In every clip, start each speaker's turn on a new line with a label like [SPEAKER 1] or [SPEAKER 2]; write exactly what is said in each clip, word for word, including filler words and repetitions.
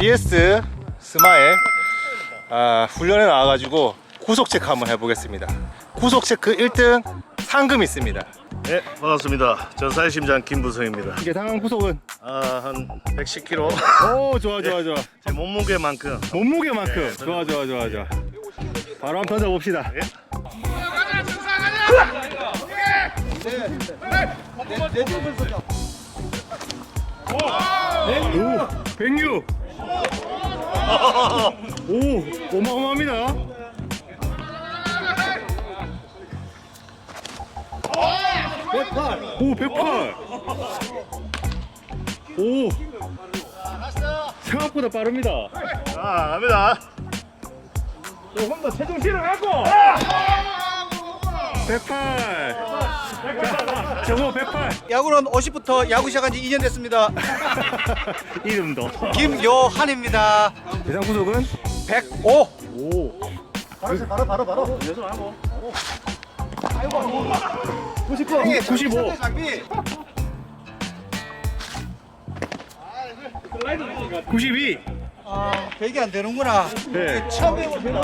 [SPEAKER 1] 비에스 스마일 아, 훈련에 나와가지고 구속 체크 한번 해보겠습니다. 구속 체크 일 등 상금 있습니다.
[SPEAKER 2] 네, 반갑습니다. 전 사회심장 김부성입니다.
[SPEAKER 1] 이게 당한 구속은?
[SPEAKER 2] 아, 한 백십 킬로그램.
[SPEAKER 1] 오, 좋아 좋아 좋아.
[SPEAKER 2] 제 몸무게만큼.
[SPEAKER 1] 몸무게만큼.
[SPEAKER 2] 네,
[SPEAKER 1] 좋아 좋아 좋아 좋아. 바로 한번 던져봅시다.
[SPEAKER 2] 예?
[SPEAKER 1] 오, 백육. 오, 어마어마합니다. 오, 백팔. 오, 생각보다 빠릅니다.
[SPEAKER 2] 아, 갑니다.
[SPEAKER 1] 조금 더 체중 실어갖고. 백팔. 자, 저거 백팔.
[SPEAKER 3] 야구는 오십부터 야구 시작한 지 이 년 됐습니다.
[SPEAKER 1] 이름도.
[SPEAKER 3] 김요한입니다.
[SPEAKER 1] 예상 구속은
[SPEAKER 3] 백오.
[SPEAKER 1] 오.
[SPEAKER 3] 바로 바로 바로 바로.
[SPEAKER 1] 구십구. 구십오. 구십이.
[SPEAKER 3] 아, 백이 안 되는구나.
[SPEAKER 1] 네.
[SPEAKER 3] 처음 해보면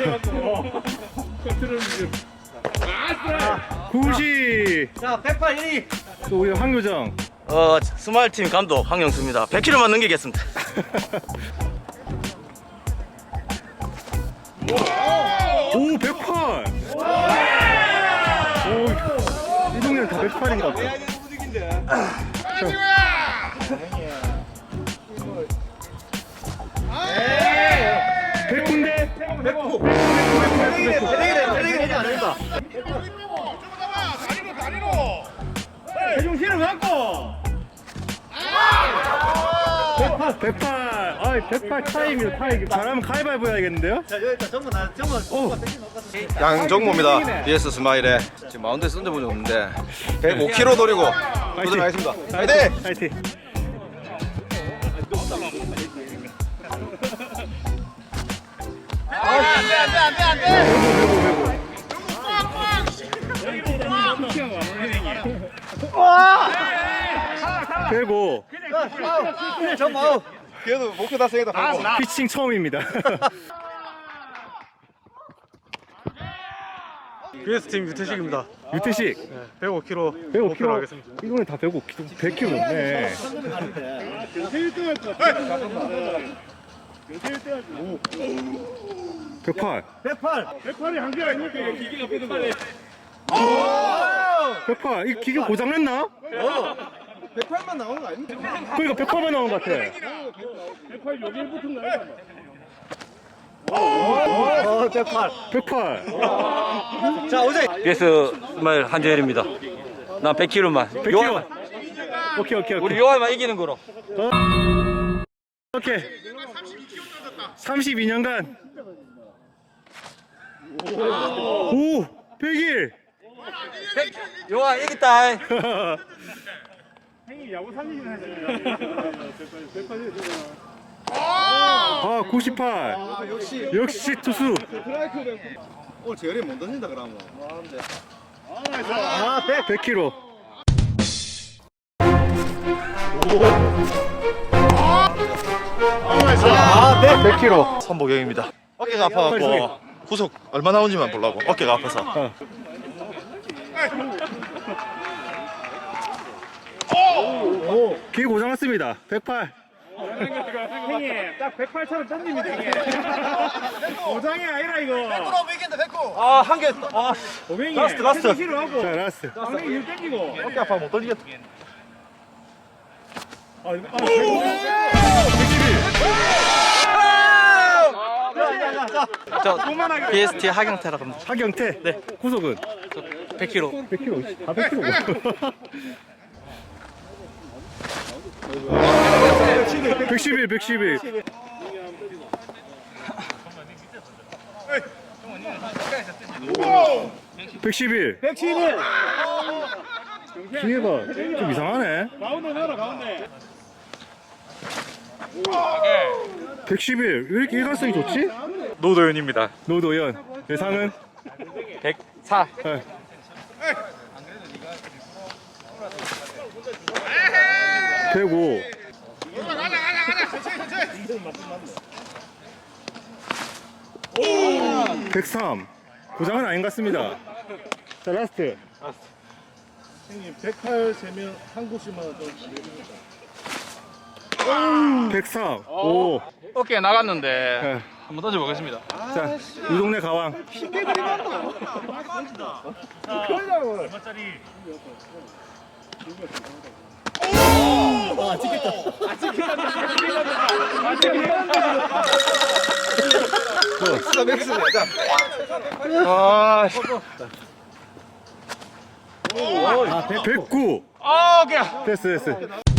[SPEAKER 1] 구십.
[SPEAKER 3] 자, 백팔 일 위.
[SPEAKER 1] 또 우리 황교정.
[SPEAKER 2] 어, 스마일팀 감독 황영수입니다. 백 킬로그램만 넘기겠습니다.
[SPEAKER 1] 오, 백팔. 오, 이 동네는 다 백팔인가 보다. 백구인데? 백구.
[SPEAKER 4] 대중 실어 갖고
[SPEAKER 1] 백팔. 백팔. 아, 백팔 타임이요, 타임. 잘하면 가위바위보 해야겠는데요?
[SPEAKER 3] 자, 여기다 전부 나 전부.
[SPEAKER 1] 오.
[SPEAKER 5] 양정모입니다. 비에스 스마일에 지금 마운드에 쓴 적은 없는데 백오 킬로그램 노리고 도전하겠습니다. 화이팅!
[SPEAKER 1] 파이팅. 백오.
[SPEAKER 3] 전부 아웃.
[SPEAKER 5] 그래도 목표 달성했다.
[SPEAKER 1] 피칭 처음입니다.
[SPEAKER 2] 비에스 팀 유태식입니다.
[SPEAKER 1] 유태식.
[SPEAKER 2] 백오 킬로그램
[SPEAKER 1] 백오 킬로그램 하겠습니다. 이거는 다 백오 킬로그램. 백 킬로그램 넘네. 백팔.
[SPEAKER 3] 백팔.
[SPEAKER 4] 백팔이 한 개가 있니까 기계가 백팔에
[SPEAKER 1] 백팔. 이 기계 고장났나?
[SPEAKER 3] 백팔만 나오는 거 아닙니까?
[SPEAKER 1] 그러니까 백팔만 나온 것 같아.
[SPEAKER 4] 백팔 여기에 붙은 거야.
[SPEAKER 3] 어, 백팔.
[SPEAKER 1] 백팔.
[SPEAKER 3] 자, 오제.
[SPEAKER 6] 비에스 스마일 한재열입니다. 난 백 킬로그램만.
[SPEAKER 1] 백 킬로그램. 오케이, 오케이,
[SPEAKER 6] 우리
[SPEAKER 1] 오케이.
[SPEAKER 6] 요한만 이기는 거로.
[SPEAKER 1] 오케이. 삼십이 년간. 오, 백일.
[SPEAKER 6] 요한 이겼다.
[SPEAKER 4] 형님 야구 살리긴 하잖아요.
[SPEAKER 1] 아, 구십팔.
[SPEAKER 3] 역시.
[SPEAKER 1] 역시 투수.
[SPEAKER 3] 오늘 재열이 못 던진다 그러면. 아, 백.
[SPEAKER 1] 백 킬로그램.
[SPEAKER 3] 아, 백.
[SPEAKER 1] 백 킬로그램.
[SPEAKER 2] 선보경입니다. 어깨가 아파갖고 구속 얼마 나오는지만 보려고 어깨가 아파서.
[SPEAKER 1] 어. 기계 고장났습니다. 백팔.
[SPEAKER 4] 형님 딱 백팔처럼 던집니다. 이게 고장이 아니라 이거.
[SPEAKER 3] 백구로 이긴다, 백구.
[SPEAKER 6] 아, 한 개. 아,
[SPEAKER 4] 오맹이
[SPEAKER 2] 라스트, 라스트.
[SPEAKER 4] 체중 실어 하고
[SPEAKER 1] 자, 라스트.
[SPEAKER 4] 방맹이 일 땡기고.
[SPEAKER 2] 어깨 아파 못 던지겠다.
[SPEAKER 4] 아, 아,
[SPEAKER 6] 저 비에스티 하경태라고 합니다.
[SPEAKER 1] 하경태. 네. 구속은
[SPEAKER 6] 백 킬로그램.
[SPEAKER 1] 백 킬로그램. 아, 백 킬로그램. 백십일, 백십일. 백십일.
[SPEAKER 3] 백십일.
[SPEAKER 1] 기회가 좀 이상하네.
[SPEAKER 4] 가운데 넣어라 가운데.
[SPEAKER 1] 백십일. 왜 이렇게 일관성이 좋지?
[SPEAKER 2] 노도현입니다.
[SPEAKER 1] 노도현. 예상은?
[SPEAKER 6] 백사.
[SPEAKER 1] 네. 백오. 백삼. 고장은 아닌 것 같습니다. 자, 라스트.
[SPEAKER 4] 형님 백팔 세면 한 곳씩만 좀
[SPEAKER 1] 백사. 오.
[SPEAKER 2] 어깨 나갔는데
[SPEAKER 1] 네.
[SPEAKER 2] 한번 던져보겠습니다.
[SPEAKER 1] 자, 이 동네 가왕.
[SPEAKER 4] 얼마짜리?
[SPEAKER 2] 아,
[SPEAKER 1] 백구.
[SPEAKER 2] 아, 오케이.
[SPEAKER 1] 됐어, 됐어.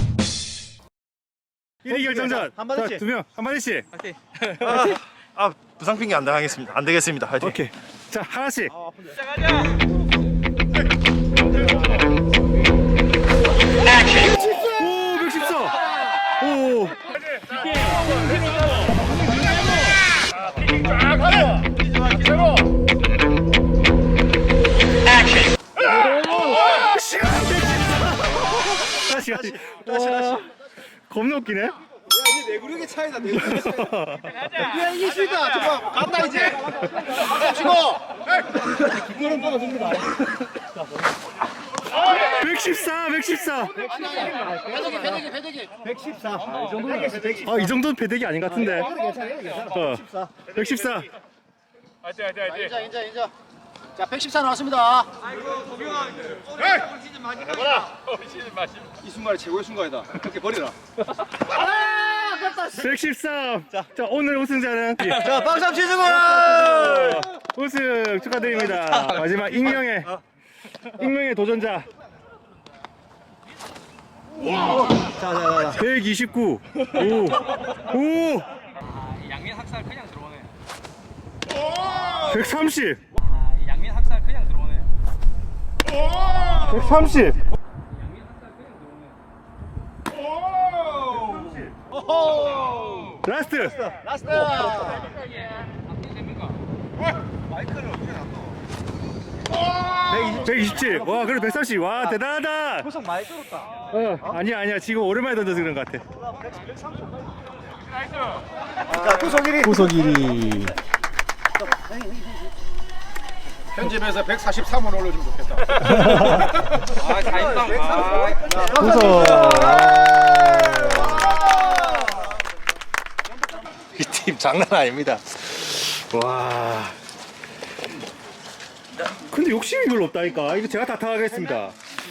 [SPEAKER 1] 일 위 결정전.
[SPEAKER 3] 한마디씩.
[SPEAKER 1] 자, 두 명, 한마디씩.
[SPEAKER 2] 아, 부상 핑계 안 당하겠습니다. 안 되겠습니다. 화이팅.
[SPEAKER 1] 오케이. 자, 하나씩. 오, 백십사. 오. 다시, 다시. 다시, 다시. 겁나 웃기네.
[SPEAKER 3] 내구력의 차이다, 내구력의 차이. 야, 이게 쉽다. 잠깐, 간다, 이제. 치고.
[SPEAKER 1] 백십사, 백십사.
[SPEAKER 3] 배대기, 배대기, 배대기. 백십사. 이 정도는
[SPEAKER 1] 아, 이 정도는 배대기 아닌 것 같은데. 어. 백십사.
[SPEAKER 4] 화이팅 화이팅 화이팅.
[SPEAKER 3] 인자, 인자, 인자. 자, 백십사 나왔습니다. 이 순간이 최고의 순간이다. 그렇게 버리라.
[SPEAKER 1] 백십삼. 자, 오늘 우승자는
[SPEAKER 3] 자, 빵삼 치즈볼!
[SPEAKER 1] 우승 축하드립니다. 마지막 익명의 익명의 도전자.
[SPEAKER 3] 자, 자, 자.
[SPEAKER 1] 백이십구. 오. 오.
[SPEAKER 6] 양면 학살 그냥 들어오네.
[SPEAKER 1] 백삼십.
[SPEAKER 6] 양면 학살 그냥 들어오네.
[SPEAKER 1] 백삼십. 라스트.
[SPEAKER 3] 라스트!
[SPEAKER 1] 백이십칠. 와, 그래 백삼십. 와, 대단하다.
[SPEAKER 3] 구성 많이 들었다.
[SPEAKER 1] 어, 아니야, 아니야. 지금 오랜만에 던져서 그런 것 같아.
[SPEAKER 3] 자, 구속 일 위.
[SPEAKER 1] 구속 일 위.
[SPEAKER 3] 편집에서 백사십삼 원 올려주면 좋겠다.
[SPEAKER 6] 아, 다행이다.
[SPEAKER 1] 구속. 이 팀 장난 아닙니다. 와. 근데 욕심이 별로 없다니까. 이거 제가 다 타가겠습니다.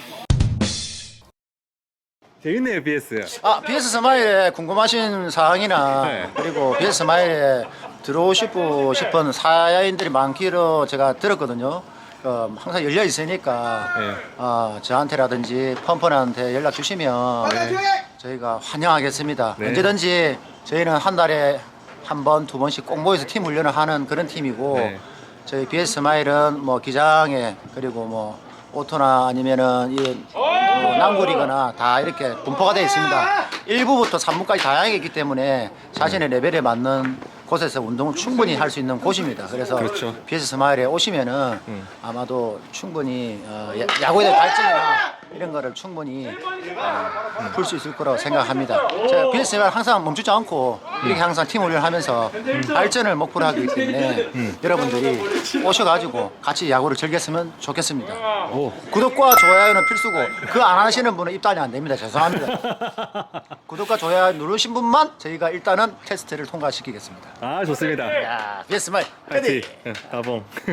[SPEAKER 1] 재밌네요, 비에스.
[SPEAKER 3] 아, 비에스 스마일에 궁금하신 사항이나
[SPEAKER 1] 네.
[SPEAKER 3] 그리고 비에스 스마일에 들어오시고 싶은 사야인들이 많기로 제가 들었거든요. 어, 항상 열려 있으니까
[SPEAKER 1] 네.
[SPEAKER 3] 어, 저한테라든지 펌펀한테 연락 주시면 저희가 환영하겠습니다.
[SPEAKER 1] 네.
[SPEAKER 3] 언제든지 저희는 한 달에 한 번, 두 번씩 꼭 모여서 팀 훈련을 하는 그런 팀이고
[SPEAKER 1] 네.
[SPEAKER 3] 저희 비에스 스마일은 뭐 기장에 그리고 뭐 오토나 아니면은 이 뭐 남구리거나 다 이렇게 분포가 되어 있습니다. 일 부부터 삼 부까지 다양하게 있기 때문에 자신의 레벨에 맞는 곳에서 운동을 충분히 할 수 있는 곳입니다. 그래서
[SPEAKER 1] 그렇죠.
[SPEAKER 3] 비에스 스마일에 오시면은
[SPEAKER 1] 음.
[SPEAKER 3] 아마도 충분히 어, 야- 야구에 대한 발전이나 이런 거를 충분히 어, 풀 수 있을 거라고 생각합니다. 제가 비에스 스마일 항상 멈추지 않고 이렇게 항상 팀 훈련을 하면서 발전을 목표로 하기 때문에 여러분들이 오셔가지고 같이 야구를 즐겼으면 좋겠습니다.
[SPEAKER 1] 오.
[SPEAKER 3] 구독과 좋아요는 필수고 그 안 하시는 분은 입단이 안 됩니다. 죄송합니다. 구독과 좋아요 누르신 분만 저희가 일단은 테스트를 통과시키겠습니다.
[SPEAKER 1] 아, 좋습니다.
[SPEAKER 3] 야, 비에스 스마일
[SPEAKER 1] 파이팅. 응, 가봉.